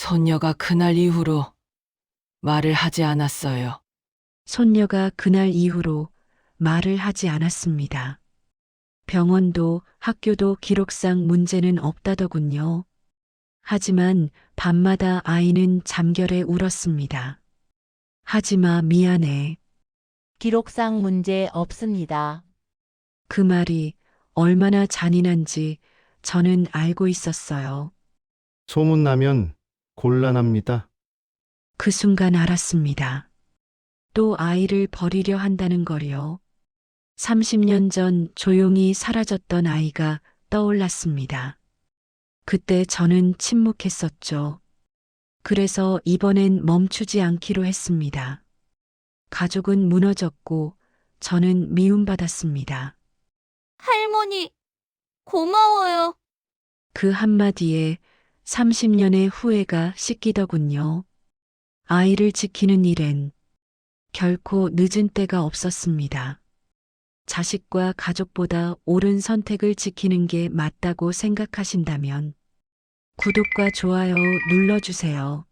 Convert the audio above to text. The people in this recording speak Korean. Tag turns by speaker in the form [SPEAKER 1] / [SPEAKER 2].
[SPEAKER 1] 손녀가 그날 이후로 말을 하지 않았어요.
[SPEAKER 2] 손녀가 그날 이후로 말을 하지 않았습니다. 병원도 학교도 기록상 문제는 없다더군요. 하지만 밤마다 아이는 잠결에 울었습니다. 하지마, 미안해.
[SPEAKER 3] 기록상 문제 없습니다.
[SPEAKER 2] 그 말이 얼마나 잔인한지 저는 알고 있었어요.
[SPEAKER 4] 소문나면 곤란합니다.
[SPEAKER 2] 그 순간 알았습니다. 또 아이를 버리려 한다는 거요. 30년 전 조용히 사라졌던 아이가 떠올랐습니다. 그때 저는 침묵했었죠. 그래서 이번엔 멈추지 않기로 했습니다. 가족은 무너졌고 저는 미움받았습니다.
[SPEAKER 5] 할머니, 고마워요.
[SPEAKER 2] 그 한마디에 30년의 후회가 씻기더군요. 아이를 지키는 일엔 결코 늦은 때가 없었습니다. 자식과 가족보다 옳은 선택을 지키는 게 맞다고 생각하신다면 구독과 좋아요 눌러주세요.